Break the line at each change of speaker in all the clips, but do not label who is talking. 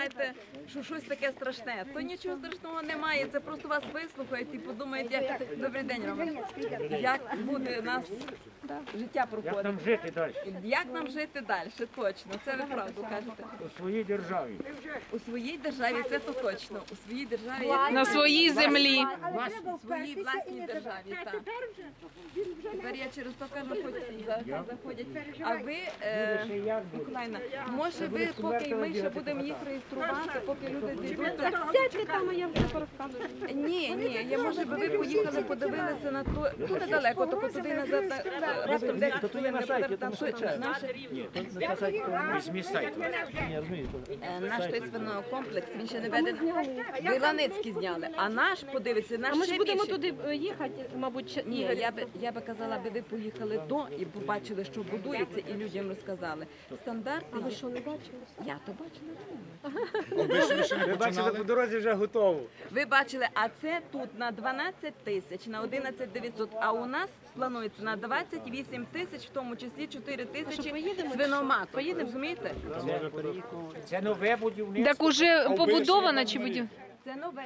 думаєте, що щось таке страшне. То нічого страшного немає, це просто вас вислухають і подумають, як добрий день, Роман, як буде у нас життя проходити.
Як нам жити далі?
Як нам жити далі, точно, це ви правду кажете.
У своїй державі.
У своїй державі це то точно, у своїй державі.
На своїй землі.
У своїй власній державі, так. Тепер я через то кажу, хоч заходять. А ви, Миколаївна, може ви, поки ми ще будемо їх реєструвати, поки люди зійдуться?
Сядьте там, а я все порозказую.
Ні, я може би ви поїхали, подивилися на то, тут недалеко, тільки туди назад, раптом 10 хвилин не буде, там точно наше.
Візьмі сайт.
Наш той свинокомплекс, він ще не ведений. Ви Ланицький зняли, а наш, подивиться, наш
А ми
ще
ж будемо
більше.
туди їхати, мабуть,
Ні, я би казала, ви поїхали до і побачили, що будується, і людям розказали. Стандарти.
ви що, не бачили?
Я то бачила.
Ви бачите, по дорозі вже готово.
Ви бачили, а це тут на 12 тисяч, на 11 900, а у нас планується на 28 тисяч, в тому числі 4 тисячі
поїдемо,
свиноматок. Поїдемо, розумієте?
Це нове будівництво.
Так уже побудована чи будівля?
Це нове.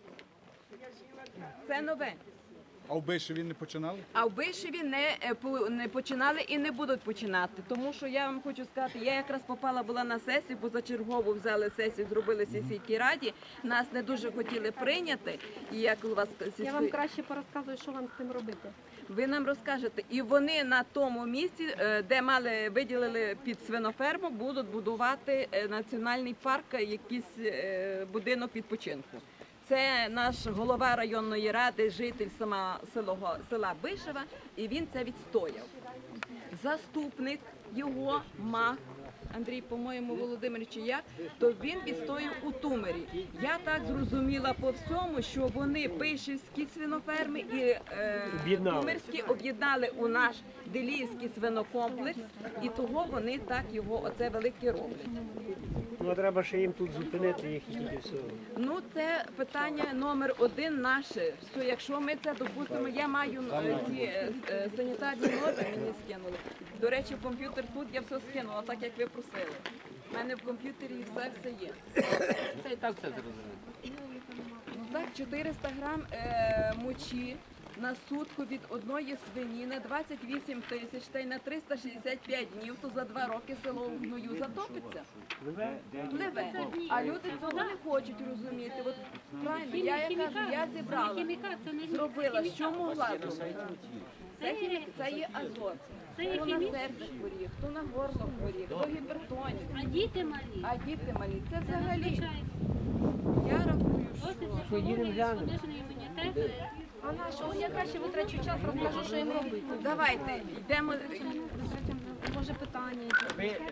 Це нове.
А в Бишеві не починали?
А в Бишеві не починали і не будуть починати. Тому що я вам хочу сказати, я якраз попала була на сесію, позачергово взяли сесію, зробили сільській раді. Нас не дуже хотіли прийняти. І як у вас
Я вам краще порозказую, що вам з тим робити.
ви нам розкажете. І вони на тому місці, де виділили під свиноферму, будуть будувати національний парк, якийсь будинок відпочинку. Це наш голова районної ради, житель села Бишева, і він це відстояв. Заступник його, Мах, Андрій, по-моєму, Володимир чи як, то він відстояв у Тумері. Я так зрозуміла по всьому, що вони Бишевські свиноферми і Тумерські об'єднали у наш Деліївський свинокомплекс, і того вони так його, оце велике роблять.
Ну, а треба ще їм тут зупинити їх і тільки все.
Ну, це питання номер один наше. Що якщо ми це допустимо, я маю ці санітарні норми, мені скинули. До речі, в комп'ютер тут я все скинула, так як ви просили. У мене в комп'ютері все є.
Це і так все зрозуміло.
Ну так, 400 грам мочі на сутку від одної свині на 28 тисяч та й на 365 днів, то за 2 роки село в гною затопиться. Пливе. А люди цього не хочуть розуміти. От правильно, я кажу, я зібрала, зробила, що могла зробити. Це є азот. Хто на серце хворіє, хто на горло хворіє, хто гіпертонік.
А діти малі.
А діти малі. Це взагалі. Я рахую, що
Понижений імунітет.
А на що? Я краще витрачу час, розкажу, що їм робити.
давайте йдемо.
Може питання.